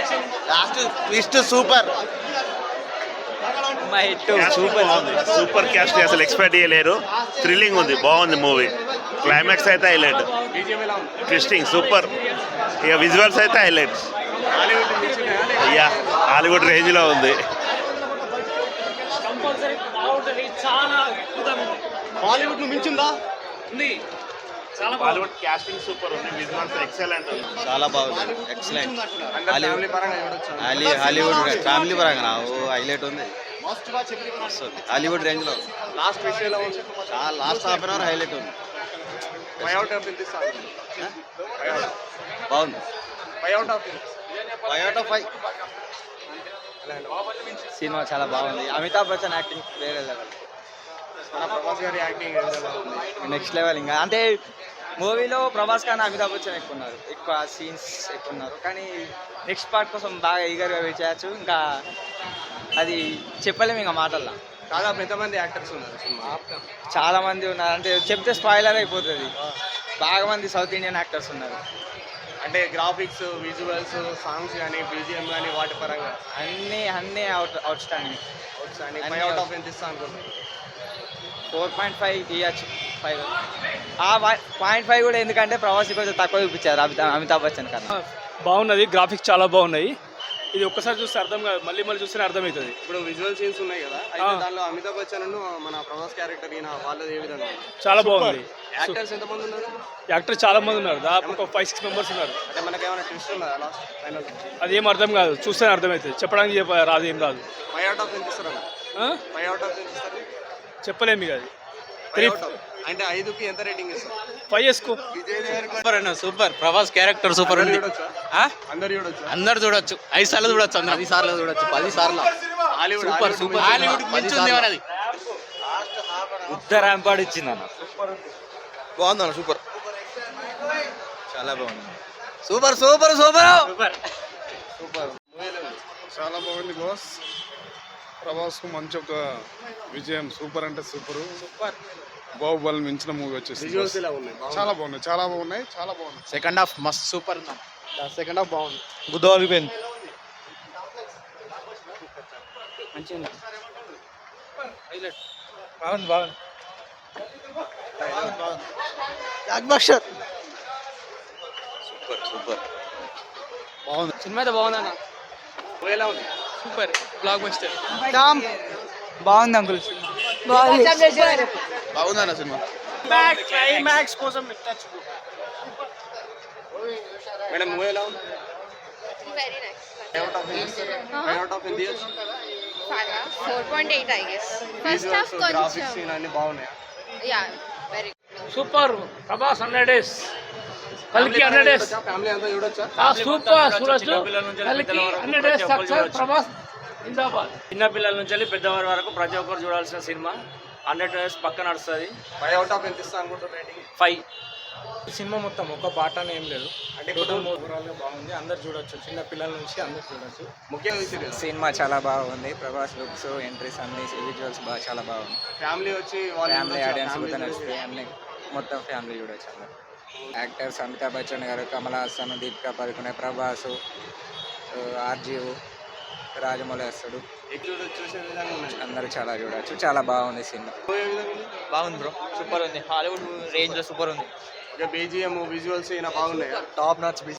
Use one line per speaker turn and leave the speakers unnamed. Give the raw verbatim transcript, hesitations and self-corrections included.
Last twist super.
Super super cast అసలు expect చేయలేరు. Thrilling ఉంది, బాగుంది మూవీ. క్లైమాక్స్ అయితే హైలైట్, ట్విస్టింగ్ సూపర్. ఇక విజువల్స్ అయితే హైలైట్స్. అయ్యా హాలీవుడ్ రేంజ్ లో ఉంది.
హాలీవుడ్ మించిందా?
హాలీవుడ్ క్యాస్టింగ్ సూపర్ ఉంది, విజువల్స్ ఎక్సలెంట్ ఉంది.
చాలా బాగుంది, ఎక్సలెంట్. హాలీవుడ్ ఫ్యామిలీ పరంగా హైలైట్ ఉంది. హాలీవుడ్ రేంజ్ లో
లాస్ట్ విషయంలో
చాలా last half an hour highlight ఉంది. బాగుంది.
Five out of
five out of five.
సినిమా చాలా బాగుంది. అమితాబ్ బచ్చన్ యాక్టింగ్ వేరే లెవెల్,
ప్రభాస్ గారి యాక్టింగ్
నెక్స్ట్ లెవెల్. ఇంకా అంటే మూవీలో ప్రభాస్ కానీ అమితాబ్ బచ్చన్ ఎక్కువ ఉన్నారు, ఎక్కువ సీన్స్ ఎక్కువ ఉన్నారు. కానీ నెక్స్ట్ పార్ట్ కోసం బాగా ఈగర్గా వెయిట్ చేయొచ్చు. ఇంకా అది చెప్పలేము ఇంకా మాటల్లో.
దాదాపు ఎంతమంది యాక్టర్స్ ఉన్నారు సినిమా?
చాలా మంది ఉన్నారు, అంటే చెప్తే స్పాయిలర్ అయిపోతుంది. బాగా మంది సౌత్ ఇండియన్ యాక్టర్స్ ఉన్నారు.
అంటే గ్రాఫిక్స్, విజువల్స్, సాంగ్స్ కానీ బీజిఎం కానీ వాటి పరంగా
అన్నీ అన్నీ out outstanding.
Five out of ఎంత ఇస్తా అనుకుంటున్నాను?
ఫోర్ పాయింట్ ఫైవ్ ఇవ్వచ్చు. ఫైవ్ ఆ పాయింట్ ఫైవ్ కూడా ఎందుకంటే ప్రవాసి కొంచెం తక్కువ చూపించారు అమితాబ్ అమితాబ్ బచ్చన్ కన్నా.
బాగున్నది, గ్రాఫిక్స్ చాలా బాగున్నాయి. ఇది ఒక్కసారి చూస్తే అర్థం కాదు, మళ్ళీ మళ్ళీ చూస్తే అర్థమవుతుంది.
ఇప్పుడు విజువల్ సీన్స్ ఉన్నాయి కదా, అయితే దానిలో అమితాబ్ బచ్చన్ మన ప్రభాస్ క్యారెక్టర్ ఈయన వాళ్ళది ఏ విధంగా?
చాలా బాగుంది.
యాక్టర్స్ ఎంతమంది ఉన్నారు?
యాక్టర్ చాలా మంది ఉన్నారు, దాదాపు ఒక ఫైవ్ సిక్స్ మెంబర్స్ ఉన్నారు.
అంటే మనకి ఏమైనా ట్విస్ట్ ఉందా లాస్ట్ ఫైనల్?
అదేం అర్థం కాదు, చూస్తేనే అర్థమవుతుంది. చెప్పడానికి చెప్ప రాదు, ఏం రాదు.
ఫైవ్ అవుట్ ఆఫ్ ఎంత ఇస్తారు? ఫైవ్ అవుట్ ఆఫ్ ఎంత ఇస్తారు?
చెప్పలేము ఇక అది.
అంటే ఐదుకి ఎంత రేటింగ్ ఇస్తారు?
ఫైవ్ వేసుకో.
సూపర్ అన్న, సూపర్. ప్రభాస్ క్యారెక్టర్ సూపర్ ఉంది.
అందరు చూడొచ్చు,
అందరు చూడొచ్చు, ఐదు సార్లు చూడొచ్చు, అందరు పది సార్లు చూడొచ్చు, పది సార్లు. Super super. హాలీవుడ్ మించింది అది.
ఉత్తరాంపాడు ఇచ్చింది అన్న.
బాగుంది అన్న, సూపర్, చాలా బాగుంది. Super super super
super
super.
చాలా బాగుంది బాస్. ప్రభాస్కు మంచి ఒక విజయం. సూపర్ అంటే సూపర్.
సూపర్.
బాహుబలి మించిన మూవీ వచ్చేసి
విజువల్స్ ఎలా ఉన్నాయి?
చాలా బాగున్నాయి, చాలా బాగున్నాయి, చాలా బాగున్నాయి.
సెకండ్ హాఫ్ మస్త్ సూపర్.
సెకండ్ హాఫ్ బాగుంది.
గుద్దోలిపోయింది. బాగుంది బాగుంది
బ్లాక్బస్టర్. సూపర్ సూపర్
బాగుంది.
సినిమా అయితే బాగుందన్న,
ఎలా ఉంది?
Super blockbuster. బాగుంది అంకుల్.
బాగుంది అన్న సినిమా.
క్లైమాక్స్ కోసం
మేడం మూవీ ఎలా ఉంది?
Very nice.
Five out of ఎంత ఇస్తారు? ఫైవ్ అవుట్ ఆఫ్ ఎంత years?
four point eight I guess. First half
graphics
కొంచెం
సీన్ అన్ని బాగున్నాయి.
yeah, very
super. Prabhas hundred days, కల్కి హండ్రెడ్ డేస్.
ఫ్యామిలీ అంతా చూడొచ్చా?
సూపర్ చూడొచ్చు. కల్కి హండ్రెడ్ డేస్ సక్సెస్. ప్రభాస్ జిందాబాద్.
చిన్న పిల్లల నుంచి పెద్దవారి వరకు ప్రతి ఒక్కరు చూడాల్సిన సినిమా. హండ్రెడ్ డేస్ పక్క నడుస్తుంది.
ఫైవ్ అవుట్ ఆఫ్ ఎంత ఇస్తా అనుకుంటారు రేటింగ్?
ఫైవ్.
సినిమా మొత్తం ఒక పాట అని ఏం లేదు,
అంటే
టోటల్ ఓవరాల్గా బాగుంది. అందరు చూడొచ్చు, చిన్న పిల్లల నుంచి అందరు చూడొచ్చు.
ముఖ్యంగా ఇది కదా,
సినిమా చాలా బాగుంది. ప్రభాస్ లుక్స్, ఎంట్రీస్ అన్ని విజువల్స్ బాగా చాలా బాగుంది.
ఫ్యామిలీ వచ్చి వాళ్ళు
ఫ్యామిలీ ఆడియన్స్ కూడా నచ్చుతాయి అన్ని, మొత్తం ఫ్యామిలీ చూడొచ్చు అందరు. యాక్టర్స్ అమితాబ్ బచ్చన్ గారు, కమల్ హాసన్, దీపికా పదుకునే, ప్రభాస్, ఆర్జీవ్, రాజమౌళి వస్తాడు.
ఎక్కువ చూసే విధంగా ఉన్నాయి.
అందరూ చాలా చూడొచ్చు, చాలా బాగుంది సినిమా. బాగుంది బ్రో, సూపర్ ఉంది. హాలీవుడ్ రేంజ్ లో సూపర్ ఉంది.
బీజిఎం, విజువల్స్ ఈయన బాగున్నాయి.
Top notch